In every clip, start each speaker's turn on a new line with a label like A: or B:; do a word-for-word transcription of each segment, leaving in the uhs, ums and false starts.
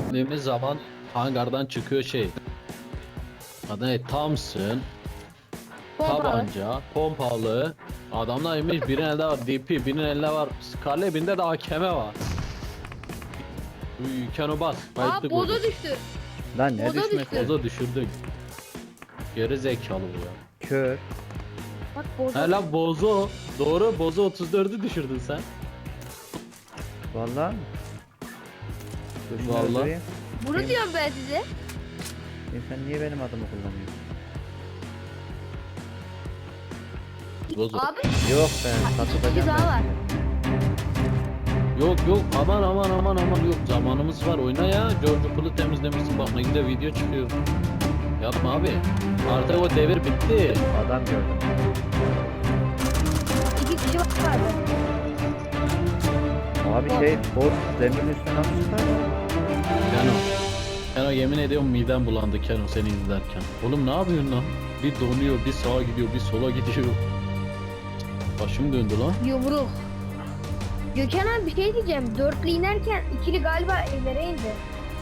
A: Dediğimiz zaman hangardan çıkıyor şey. Adı ne? Thompson,
B: Pompalı.
A: tabanca, pompalı. Adamlar inmiş, birinin elde var D P, birinin elinde var Scarlet, birinde de A K M var. Uy, Keno bas.
B: Aa
A: Kayıtlı
B: boza
A: koyduk.
B: düştü.
C: Lan ne
B: Boza
C: düşmesi?
B: düştü.
A: Boza düşürdük. Geri zekalı bu ya.
C: Kör.
B: Bak boza.
A: He lan Bozo. Doğru, Bozo otuz dördü düşürdün sen.
C: Vallahi mi? Dur şunu
A: Vallahi.
C: öldüreyim.
B: Bunu diyorum ben size.
C: E sen niye benim adımı kullanıyorsun?
A: Bozo.
B: Abi
C: Yok ben
B: iki
C: satılacağım
B: daha
C: ben.
B: var.
A: Yok yok, aman aman aman aman, yok zamanımız var, oyna ya. George Pool'u temizlemişsin, bak ne güzel video çıkıyor. Yapma abi. Artık o devir bitti.
C: Adam gördüm.
B: İki kişi vardı.
C: Abi şey bot demirin üstüne nasıl çıkar?
A: Keno. Keno yemin ediyorum midem bulandı Keno seni izlerken. Oğlum ne yapıyorsun lan? Bir donuyor, bir sağa gidiyor, bir sola gidiyor. Başım döndü lan.
B: Yumruk. Gökhan abi bir şey diyeceğim. Dörtlü inerken ikili galiba evlere indi.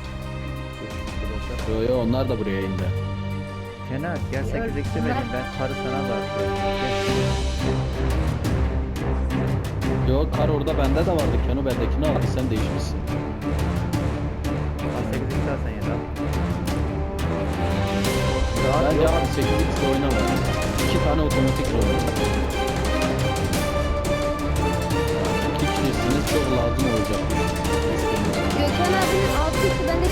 A: Yo yo, onlar da buraya indi.
C: Kenan gel sekiz eksi vereyim ben karı sana var.
A: Yo, kar orada bende de vardı. Keno bendekini aldı, sen değişmişsin.
C: sekiz eksi alsan ya da.
A: Bence abi sekiz x oynama. İki tane otomatik oynuyor. İki kişisiniz, çok lazım olacak.
B: Gökhan abinin altı kişi bende.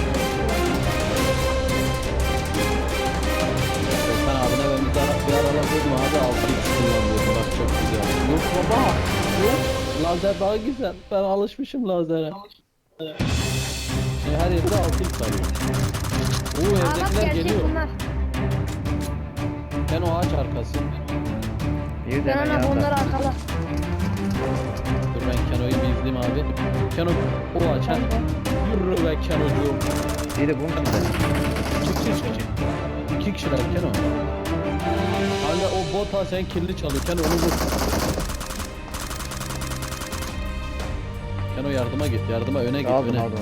A: Sen abine ben bir ara, bir aralar dedim abi altı x kullanıyordum, bak çok güzel. Yok baba, yok. Lazer daha güzel. Ben alışmışım lazere. Şimdi her yerde altı x arıyor. Oo,
B: Aa bak
A: evdekiler
B: gerçek
A: geliyor.
B: bunlar.
A: Ben o ağaç arkası.
C: Bir de
B: Gökhan abi onlar arkada.
A: Dur ben Keno'yu bir izleyeyim abi. Keno o ağaç ha. Yürü be Keno'cuğum.
C: Biri bunun içinde.
A: Çık çık çık çık. İki kişiler Keno. Kanka o bota sen kirli çalıyor. Keno onu vur. Keno yardıma git, yardıma öne git,
C: Aldım
A: öne.
C: aldım.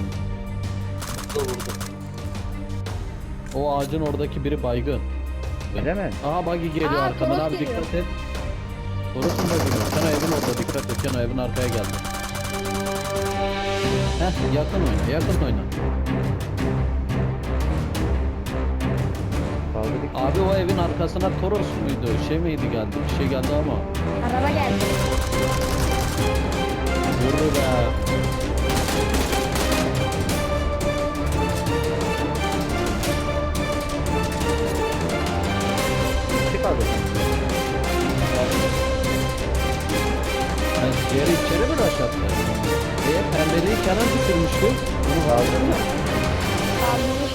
A: O ağacın oradaki biri baygın.
C: Öyle mi?
A: Aha buggy geliyor
B: Aa,
A: arkadan
B: Toros
A: abi,
B: geliyor.
A: dikkat et. Toros'un buggy. Keno evin orada, dikkat et. Keno evin arkaya geldi. Heh, yakın oyna, yakın oyna.
C: Kaldırdık.
A: Abi o evin arkasına Toros muydu? Şey miydi geldi? Bir şey geldi ama.
B: Araba geldi.
A: Yürü be.
C: İki kaldı.
A: Yani geri içeri mi rush attı? Diye pembeliği kenar düşürmüştü. Bunu
C: Kaldırdım.
B: Kaldırmış.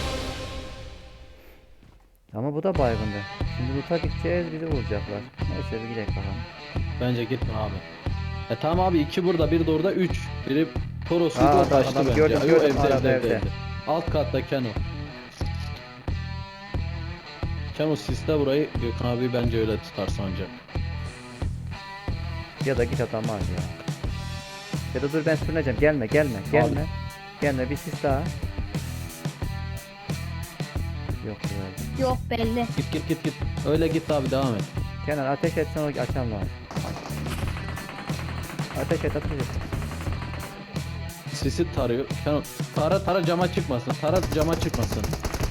C: Ama bu da baygındı. Şimdi loot'a gideceğiz bizi vuracaklar. Neyse bir gidelim bakalım.
A: Bence gitme abi. E tamam abi, iki burada, bir de orada, üç. Biri Toros'u
C: Aa,
A: da
C: adam-
A: taştı
C: adam
A: bence.
C: gördüm,
A: Yo,
C: gördüm,
A: evde,
C: arada
A: evde,
C: evde.
A: evde. Alt katta Keno. Keno siste burayı, Gökhan abi bence öyle tutar sancak.
C: Ya da git adam var ya. Ya da dur ben sürüneceğim. Gelme gelme gelme. Gelme bir sis daha. Yok böyle.
B: Yok belli.
A: Git git git git. Öyle git abi, devam et.
C: Kenan ateş etsen o açan lazım. Ateş et ateş et.
A: Sisi tarıyor. Keno tara tara cama çıkmasın. Tara cama çıkmasın.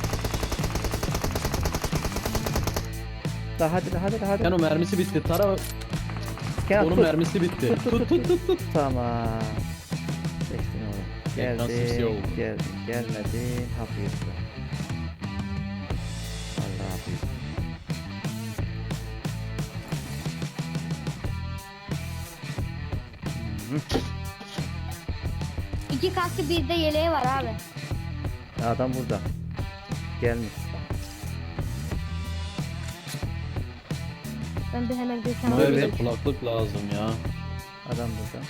C: Daha hadi hadi hadi.
A: Keno mermisi bitti. Tara
C: Kenan
A: onun
C: tut.
A: mermisi bitti.
C: Tut, tut,
A: Tut tut tut tut.
C: Tamam. Geçtin oğlum.
A: Ekran sisi
C: Geldin,
A: oldu.
C: geldin, gelmedin, hafif. Allah hafif.
B: İki kaskı bir de yeleği var abi.
C: Adam burada. Gelmiş.
B: Ben bir hemen Gökhan
A: Buraya
B: abi.
A: bize
C: Evet.
A: kulaklık lazım ya.
C: Adam burada.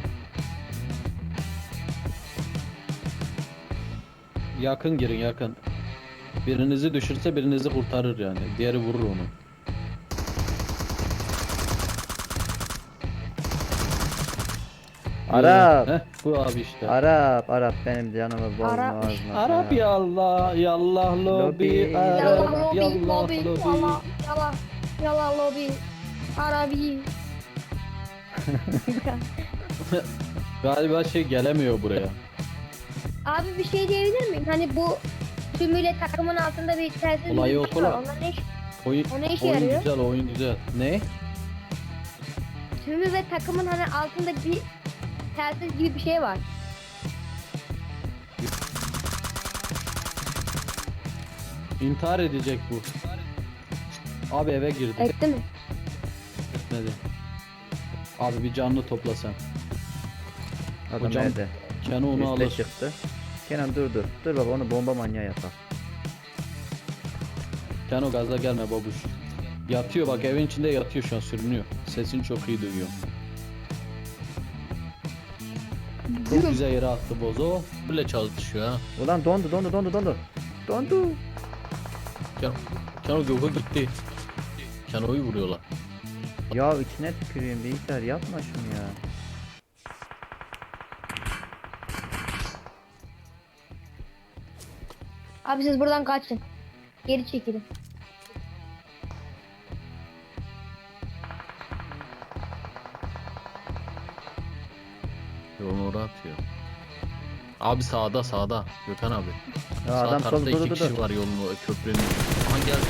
A: Yakın girin, yakın. Birinizi düşürse birinizi kurtarır yani. Diğeri vurur onu.
C: Arap.
A: Heh, bu abi işte.
C: Arap, Arap benim canımı bozma
B: Arap.
C: ağzına.
A: Arap
C: ya.
A: yallah yallah
C: Lobi.
A: lobi Arap
B: Yallah lobi,
A: yallah
B: lobi,
A: lobi.
B: yallah, yallah, yallah lobi, Arabi.
A: Galiba şey gelemiyor buraya.
B: Abi bir şey diyebilir miyim? Hani bu tümüyle takımın altında bir telsiz
A: Olay
B: bir
A: yok
B: şey var.
A: ulan.
B: Onlar ne iş?
A: Oyun,
B: O ne işe
A: oyun
B: yarıyor?
A: güzel oyun güzel. Ne?
B: Tümü ve takımın hani altında bir telsiz gibi bir şey var.
A: İntihar edecek bu. Abi eve girdi.
B: Etti mi?
A: Etmedi. Abi bir canlı topla sen.
C: Adam
A: Hocam,
C: nerede?
A: Kenan onu
C: Üste
A: alır.
C: çıktı. Kenan dur dur. Dur baba onu bomba manyağı yapar.
A: Kenan gaza gelme babuş. Yatıyor bak evin içinde yatıyor şu an sürünüyor. Sesini çok iyi duyuyor. Çok güzel yere attı bozo. Böyle çalışıyor ha.
C: Ulan dondu dondu dondu dondu. Dondu.
A: Kenan, Kenan Gök'e gitti. Kenan'ı vuruyorlar.
C: Ya içine tüküreyim bilgisayar yapma şunu ya.
B: Abi siz buradan kaçın. Geri çekilin.
A: Yolunu oraya atıyor. Abi sağda sağda Gökhan abi.
C: Ya
A: Sağ
C: adam
A: tarafta
C: solda
A: iki
C: dur dur
A: kişi
C: dur.
A: var yolun o köprünün. Aman geldi.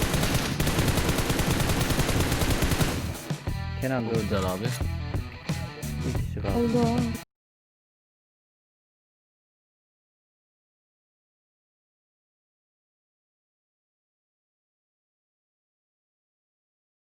C: Kenan
A: Çok
C: dur.
A: güzel abi.
C: Bir kişi kaldı.
B: Oldu.